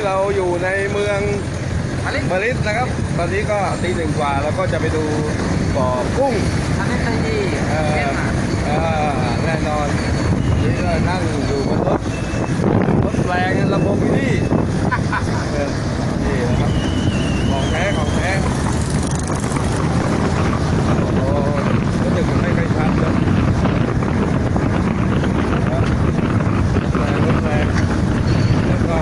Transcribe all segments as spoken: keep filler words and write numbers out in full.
เราอยู่ในเมืองมาริดนะครับตอนนี้ก็ตีหนึ่งกว่าแล้วก็จะไปดูบ่อกุ้งอันนี้ใครดีเออแน่นอนนี่เรานั่งอยู่บนรถรถแรงลำโพงที่นี่นี่นะครับของแท้ของแท้โอ้รู้สึกมันไม่ค่อยชัดเลยรถแรงแล้วก็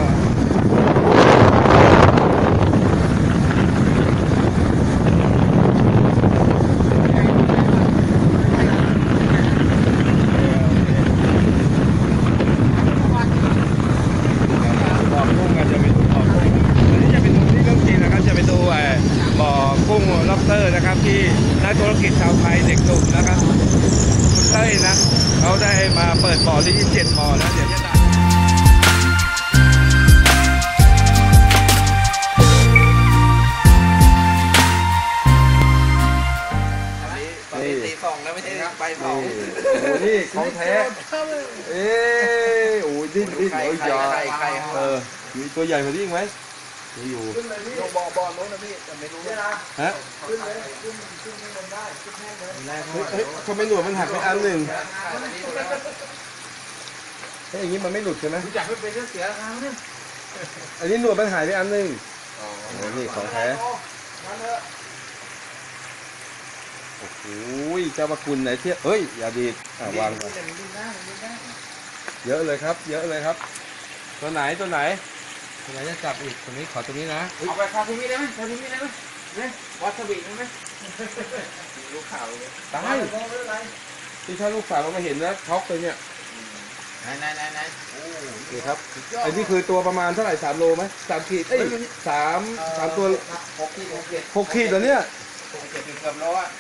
ล็อบสเตอร์นะครับที่นักธุรกิจชาวไทยเด็กหนุ่มนะครับคุณเต้ยนะเขาได้มาเปิดบ่อที่เจ็ดบ่อแล้วเดี๋ยวจะนี่ตีสองแล้วไม่ใช่ใบสองนี่ของแท้เอ๊ะโอ้ยดิ้นดิ้นโอ้ยยาเออมีตัวใหญ่กว่านี้อีกไหมนี่อยู่บ่อบ่อโน้นนะพี่แต่ไม่รู้ฮะขึ้นเลยขึ้นขึ้นไม่ลงได้ขึ้นแห้งเลยเฮ้ยทำไมหนวดมันหักไปอันหนึ่งเฮ้ยอย่างนี้มันไม่หลุดใช่ไหมอยากให้เป็นเรื่องเสียแล้วเนี่ยอันนี้หนวดมันหายไปอันหนึ่งอ๋อนี่ของแท้โอ้โหเจ้าพระคุณไหนเที่ยเฮ้ยอย่าดีดอ่ะวางก่อนเยอะเลยครับเยอะเลยครับตัวไหนตัวไหนตัวไหนจะจับอีกตัวนี้ขอตัวนี้นะเอาไปคาทูมิได้ไหมคาทูมิได้ไหมเนี่ยวาซาบิได้ไหมลูกข่าวเลยตายที่ถ้าลูกสาวเรามาเห็นนะช็อกเลยเนี่ยไหนไหนไหนไหนโอ้นี่ครับอันนี้คือตัวประมาณเท่าไหร่สามโลไหมสามขีดเอ้ยสามสามตัวหกขีดหกขีดหกขีดเหรอเนี่ยหกขีดเกือบโลอ่ะ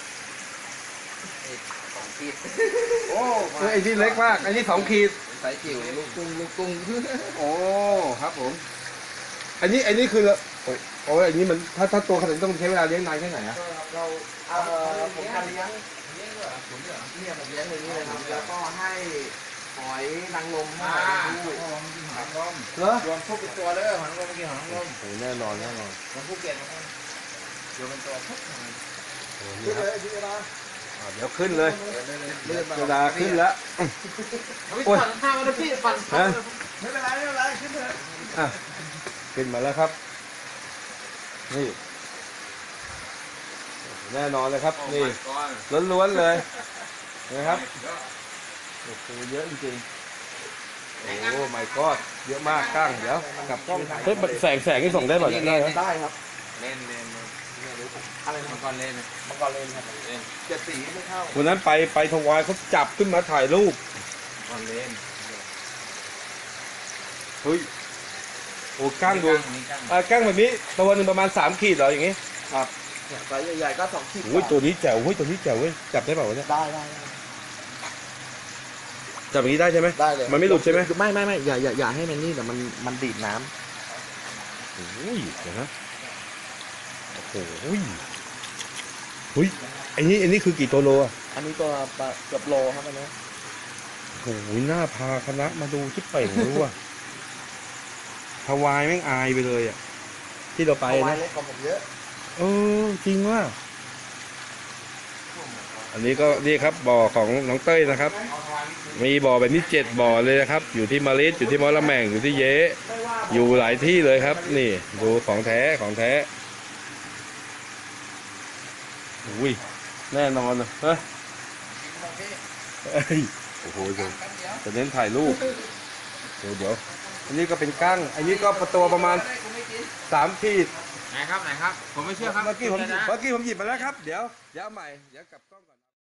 สองขีดโอ้ไอ้ที่เล็กมากไอ้นี่สองขีดใส่จิ๋วลูกกุ้งลูกกุ้งโอ้ครับผมอันนี้อันนี้คือโอ้โอ้อันนี้มันถ้าถ้าตัวขนาดนี้ต้องใช้เวลาเลี้ยงนานแค่ไหนอะเราเอ่อผมจะเลี้ยงเลี้ยงเหรอผมเหรอเนี่ยผมเลี้ยงอย่างนี้เลยครับแล้วก็ให้หอยนางรมให้ดูหอยนางรมเหรอรวมทุกตัวเลยหอยนางรมเมื่อกี้หอยนางรมโอ้แน่นอนแน่นอนรวมภูเก็ตนะครับรวมเป็นตัวทุกหอยโอ้นี่ครับเดี๋ยวขึ้นเลยเวลาขึ้นแล้วโอ้ยข้าวนะพี่ปั่นไม่เป็นไรไม่เป็นไรขึ้นเถอะขึ้นมาแล้วครับนี่แน่นอนเลยครับนี่ล้วนๆเลยนะครับโอ้โหเยอะจริงๆโอ้ไม่กอดเยอะมากก้างเดี๋ยวกลับกล้องเฮ้ยแสงแสงนี่ส่งได้ป่ะได้ได้ครับเล่นเล่นอะไรมังกรเล่นมังกรเล่นครับเล่นเจ็ดสีไม่เข้าวันนั้นไปไปทวายเขาจับขึ้นมาถ่ายรูปมังกรเล่นเฮ้ยโอ้ก้างดูอ่าก้างแบบนี้ตัวหนึ่งประมาณสามขีดเหรออย่างงี้ครับไซส์ใหญ่ๆก็สองขีดโอ้ยตัวนี้แจ๋วเฮ้ยตัวนี้แจ๋วเว้ยจับได้เปล่าวะเนี่ยได้ได้จับอย่างนี้ได้ใช่ไหมได้เลยมันไม่หลุดใช่ไหมไม่ไม่ไม่อย่าอย่าอย่าให้มันนี่แต่มันมันดีดน้ำโอ้ยเดี๋ยวนะโอ้โหเฮ้ยอันนี้อันนี้คือกี่ตัวโลอ่ะอันนี้ตัวเกือบโลครับอันนี้โอ้ยน่าพาคณะมาดูชิปเป่งรู้อ่ะฮาวายแม่งอายไปเลยอ่ะที่เราไปนะฮาวายเล็กกว่าผมเยอะเออจริงว่าอันนี้ก็นี่ครับบ่อของน้องเต้ยนะครับมีบ่อแบบนี้เจ็ดบ่อเลยนะครับอยู่ที่มาริดอยู่ที่มอละแมงอยู่ที่เยอยู่หลายที่เลยครับนี่ดูของแท้ของแท้อุ้ยแน่นอนเลยฮะโอ้โหจะเน้นถ่ายรูปเดี๋ยวเดี๋ยวอันนี้ก็เป็นกั้งอันนี้ก็ประตัวประมาณสามขีดไหนครับไหนครับผมไม่เชื่อครับเมื่อกี้ผมเมื่อกี้ผมหยิบมาแล้วครับเดี๋ยวเดี๋ยวใหม่เดี๋ยวกลับกล้องก่อน